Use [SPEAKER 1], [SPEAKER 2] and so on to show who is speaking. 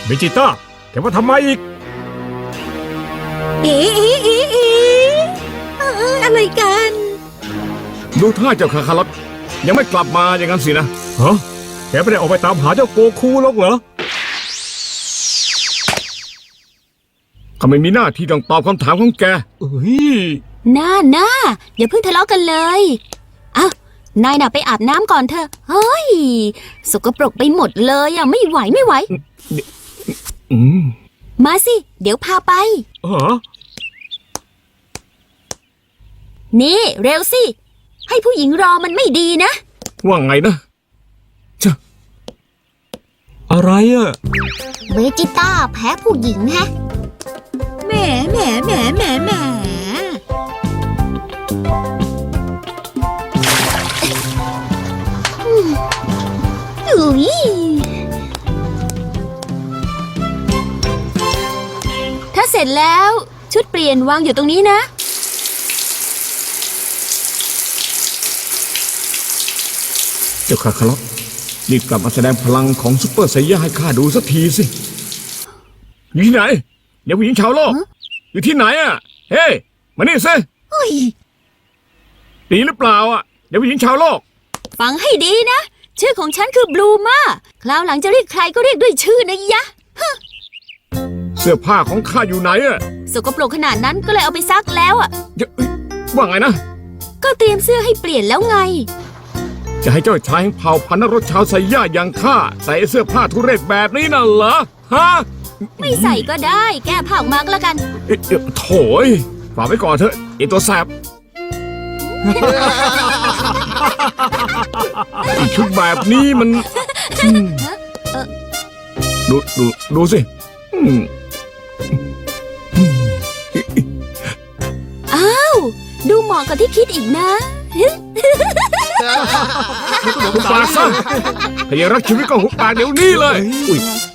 [SPEAKER 1] เบจิต้าแกว่าทำไมอีก
[SPEAKER 2] อะไรกัน
[SPEAKER 3] ดูท่าเจ้าคาคาลอตยังไม่กลับมาอย่างนั้นสินะ
[SPEAKER 1] ฮะแกไม่ได้ออกไปตามหาเจ้าโกคูหรอกเหรอ
[SPEAKER 3] ข้าไม่มีหน้าที่ต้องตอบคำถามของแก
[SPEAKER 1] เอ้ย
[SPEAKER 2] น่าอย่าเพิ่งทะเลาะกันเลยอ้าวนายน่ะไปอาบน้ำก่อนเถอะเฮ้ยสกปรกไปหมดเลยอ่ะไม่ไหว
[SPEAKER 3] อืม
[SPEAKER 2] มาสิเดี๋ยวพาไป
[SPEAKER 1] ฮะ
[SPEAKER 2] นี่เร็วสิให้ผู้หญิงรอมันไม่ดีนะ
[SPEAKER 3] ว่าไงนะเจ้า
[SPEAKER 1] อะไรอ่ะ
[SPEAKER 2] เวจิต้าแพ้ผู้หญิงแฮะแหมอุ๊ยถ้าเสร็จแล้วชุดเปลี่ยนวางอยู่ตรงนี้นะ
[SPEAKER 3] เจ้าคาคาลอตรีบกลับมาแสดงพลังของซุปเปอร์ไซย่าให้ข้าดูสักทีสิอยู่ที่ไหนเดี๋ยวผู้หญิงชาวโลก
[SPEAKER 2] ฮะ
[SPEAKER 3] อยู่ที่ไหนอ่ะเฮ้ยมานี่สิ
[SPEAKER 2] เฮ้ย
[SPEAKER 3] ดีหรือเปล่าอ่ะเดี๋ยวผู้หญิงชาวโลก
[SPEAKER 2] ฟังให้ดีนะ ชื่อของฉันคือบลูมาคราวหลังจะเรียกใครก็เรียกด้วยชื่อนะยะ
[SPEAKER 3] เสื้อผ้าของข้าอยู่ไหนอ่ะ
[SPEAKER 2] สกปรกขนาดนั้นก็เลยเอาไปซักแล้วอ่ะ
[SPEAKER 3] เอ้ยว่าไงนะ
[SPEAKER 2] ก็เตรียมเสื้อให้เปลี่ยนแล้วไง
[SPEAKER 3] จะให้เจ้าชายแห่งเผ่าพันธุ์นรกชาวไซย่าอย่างข้าใส่เสื้อผ้าทุเรศแบบนี้น่ะเหรอฮะ
[SPEAKER 2] ไม่ใส่ก็ได้ แก้ผ้าออกมาก็แล้วกัน
[SPEAKER 3] โถยฝากไว้ก่อนเถอะไอตัวแสบ ชุดแบบนี้มันดูสิอืม
[SPEAKER 2] อ้าว ดูเหมาะกับที่คิดอีกนะ
[SPEAKER 3] หุบปากซะถ้ายังรักชีวิตก็หุบปากเดี๋ยวนี้เลยอุ้ย